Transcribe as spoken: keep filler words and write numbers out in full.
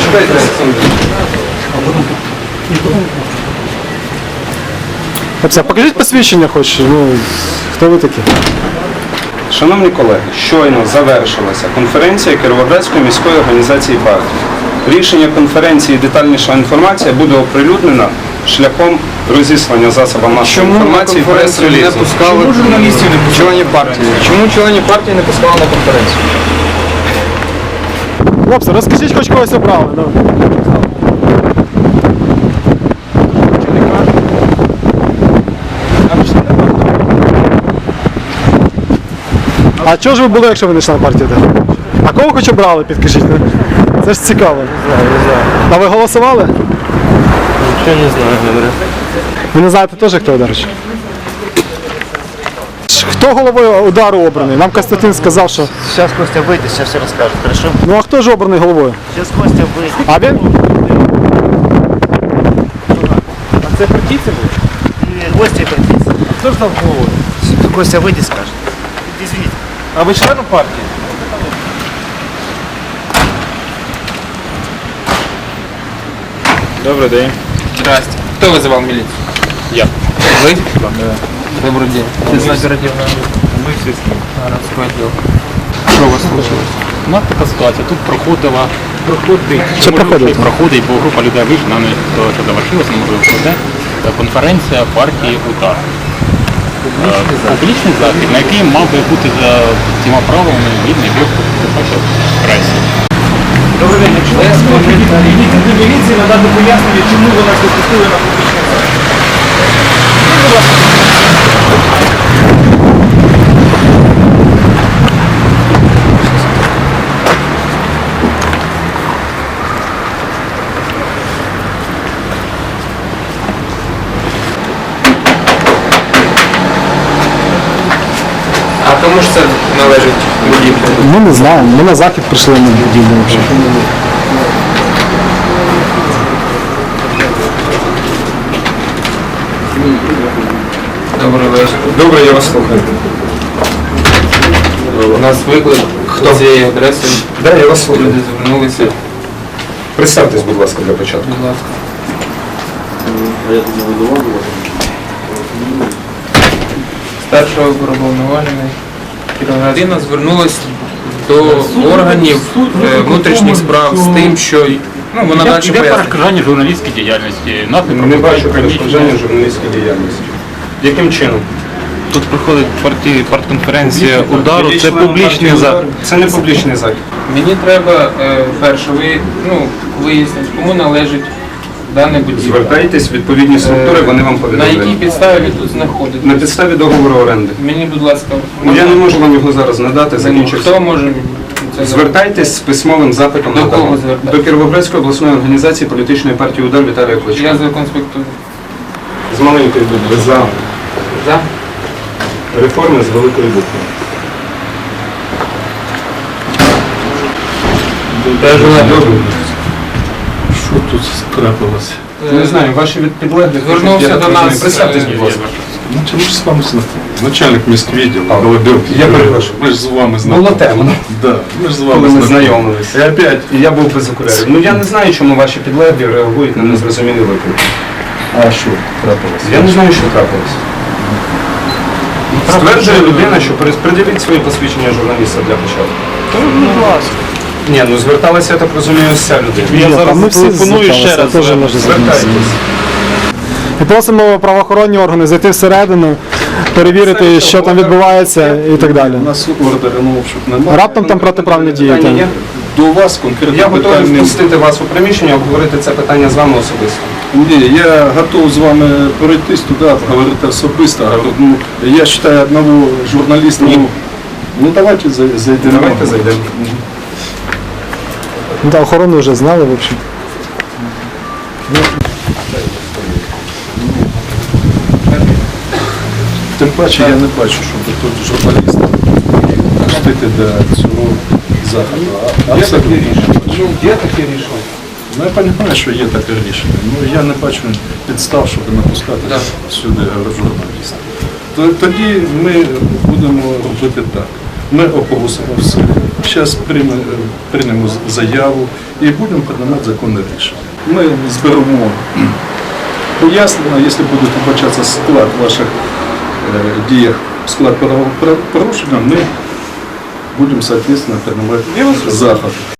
Дайте секунду. Хлопці, покажіть посвідчення хоч, ну, хто ви такі? Шановні колеги, щойно завершилася конференція Кіровоградської міської організації партії. Рішення конференції і детальніша інформація буде оприлюднена шляхом розіслання засобам масової інформації прес-релізу. Чому журналістів не пускали? Членів партії? Чому членів партії не пускали на конференцію? Хлопці, розкажіть, хоч когось обрали. Ну. А чого ж ви були, якщо ви не член партії? А кого хоч обрали, підкажіть? Це ж цікаво. А ви голосували? Ничего не знаю, говорю. Ви не знаєте теж, хто, до речі? Хто головою удару обраний? Нам Костянтин сказав, що... Сейчас Костя выйдет, сейчас все расскажет, хорошо? Ну а хто ж обраний головою? Сейчас Костя выйдет. А він? А це партийцы будут? Костя партийцы. А кто же там головой? Костя выйдет, скажет. Извините. А ви член партії? Добрый день. Здрасте. Кто вызывал милицию? Я. Вы? Да. Добрый день. Честно оперативно. Мы все с ним. Городской отдел. Что у вас случилось? У нас така ситуація. Тут проходила проходить, Що проходить? проходить, бо група людей вийшла, не то що завершилося, можливо, пройде, конференція партії УДАР. Публічний, Публічний захід, на який мав би бути за всіма правилами гідний виступ пресі. Добрий день. Я співробітник міліції надати пояснення, чому ви нас допустили на публічний захід. А кому ж це належить будівля? Ми не знаємо. Ми на захід прийшли на будівлю взагалі. Добрий вечір. Добре, я вас слухаю. У нас виклик. Хто? Цією адресою. Да, я вас слухаю. Люди звернулися. Представтесь, будь ласка, для початку. Будь ласка. Старшого уповноважений Кіровоградина звернулась до органів е, внутрішніх справ з тим, що ну, вона далі Іде пояснює. перешкоджання журналістській діяльності. Нас не Не пропускають бачу в приміщення. перешкоджання журналістської діяльності. Яким чином? Тут проходить партії, партконференція удару, це Член публічний партії захід. «Удар» Це не публічний захід. Мені треба е, перше ви, ну, вияснити, кому належить дане будівля. Звертайтесь в відповідні структури, вони вам На якій повідомляють. підставі ви тут знаходитесь? На підставі договору оренди. Мені, будь ласка, Ну, я не можу вам його зараз надати, хто закінчився. може мені це зробити? Звертайтесь з письмовим запитом До на кого дому. звертатись? До Кіровоградської обласної організації політичної партії «Удар» Віталія Кличка. Я законспектую. З маленької букви «За». За? Реформи з великої букви. Що тут трапилося? Не знаю, ваші від підлеглих... Звернувся я так до нас, розумію. Представтесь, будь ласка. Ну, чому ж з вами знайомий? Начальник міськвідділу, Голодюк. Я перепрошую. Ми ж з вами Було знайомі. темно, Да, ми ж з коли вами ми знайомі. знайомилися. І опять, І я був без окулярів. Ну я не знаю, чому ваші підлеглі реагують на незрозумілі виклики. а що трапилося? Я не знаю, що трапилось. Стверджує людина, що перед- придивіть свої посвідчення журналіста для початку. Ні, ну зверталася, я так розумію, вся людина. Я зараз пропоную ще раз. Теж може звернутися. Звертайтесь. І просимо правоохоронні органи зайти всередину, перевірити, що там відбувається і так далі. У нас ордеру на обшук немає. Раптом там протиправні дії. Питання є? До вас конкретно Я готовий питань немає. впустити вас у приміщення, обговорити це питання з вами особисто. Ні, я готов з вами пройтись туди, говорити особисто. Говорю, ну, я вважаю одного журналіста. Ну, ну давайте зай- зайдемо. Давайте зайдемо. Ну, та охорону вже знали, в общем. Тим паче я не бачу, щоб тут журналістам пустити до цього заходу. А, а Є це таке дуже рішення? бачу. Ну, є таке рішення. Ну я розумію, що є таке рішення. Ну я не бачу підстав, щоб напускати Так. сюди журналістів. То- Тоді ми будемо робити так. ми оголосимо все. Зараз прийме- приймемо заяву і будемо приймати законне рішення. Ми зберемо пояснення, якщо буде побачатися склад ваших е, діях, склад правопорушення, ми будемо, соответственно, приймати заходи.